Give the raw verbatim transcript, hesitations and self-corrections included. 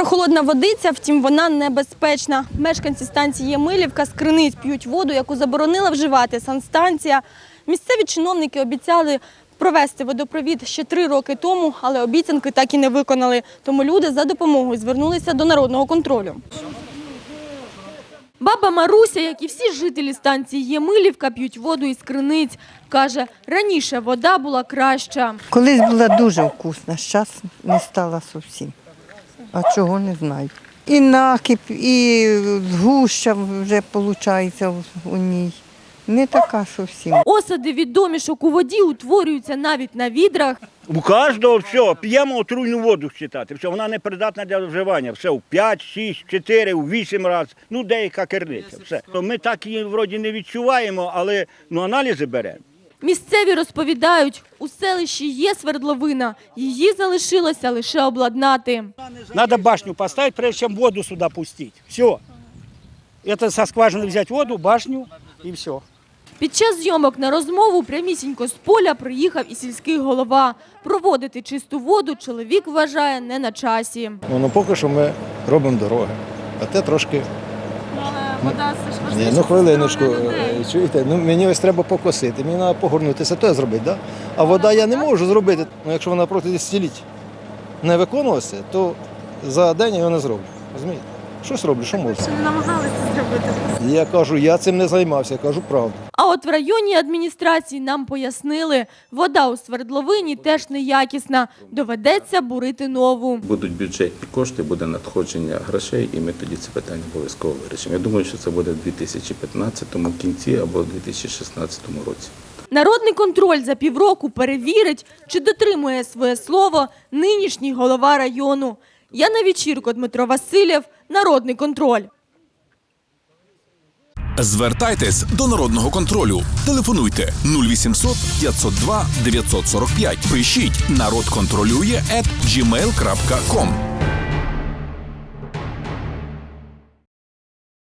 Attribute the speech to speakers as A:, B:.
A: Холодна водиця, втім, вона небезпечна. Мешканці станції Ємилівка з криниць п'ють воду, яку заборонила вживати санстанція. Місцеві чиновники обіцяли провести водопровід ще три роки тому, але обіцянки так і не виконали. Тому люди за допомогою звернулися до народного контролю. Баба Маруся, як і всі жителі станції Ємилівка, п'ють воду із криниць. Каже, раніше вода була краща.
B: Колись була дуже вкусна, зараз не стала зовсім. А чого, не знаю. І накип, і згуща вже виходить у ній. Не така зовсім.
A: Осади від домішок у воді утворюються навіть на відрах.
C: У кожного все, п'ємо отруйну воду вважати. Все, вона не придатна для вживання. Все, в п'ять, шість, чотири, у вісім разів. Ну, деяка керниця. Все. Ми так її вроді не відчуваємо, але ну, аналізи беремо.
A: Місцеві розповідають, у селищі є свердловина, її залишилося лише обладнати.
D: Надо башню поставить, прежде чем воду сюда пустить. Все. Это со скважины взять воду, башню и все.
A: Під час зйомок на розмову прямісінько з поля приїхав і сільський голова. Проводити чисту воду чоловік вважає не на часі.
E: Ну, ну поки що ми робимо дороги, а те трошки...
A: Але вода це ж
E: Ні, ну хвилиночку, чуєте, ну мені ось треба покосити, мені треба погорнутися, то я зробити, да? А вода я не можу зробити, ну якщо вона проти десятиліть не виконувалася, то за день я його не зроблю, розумієте? Щось роблю, що можу.
A: не намагалися зробити.
E: Я кажу, я цим не займався, я кажу правду.
A: А от в районній адміністрації нам пояснили, вода у свердловині теж неякісна, доведеться бурити нову.
F: Будуть бюджетні кошти, буде надходження грошей, і ми тоді це питання обов'язково вирішимо. Я думаю, що це буде в дві тисячі п'ятнадцятому кінці або в дві тисячі шістнадцятому році.
A: Народний контроль за півроку перевірить, чи дотримує своє слово нинішній голова району. Яна Вечірко, Дмитро Васильєв, Народний контроль.
G: Звертайтесь до Народного контролю. Телефонуйте нуль вісімсот п'ятсот два дев'ятсот сорок п'ять. Пишіть народ контролює ет джі мейл крапка ком.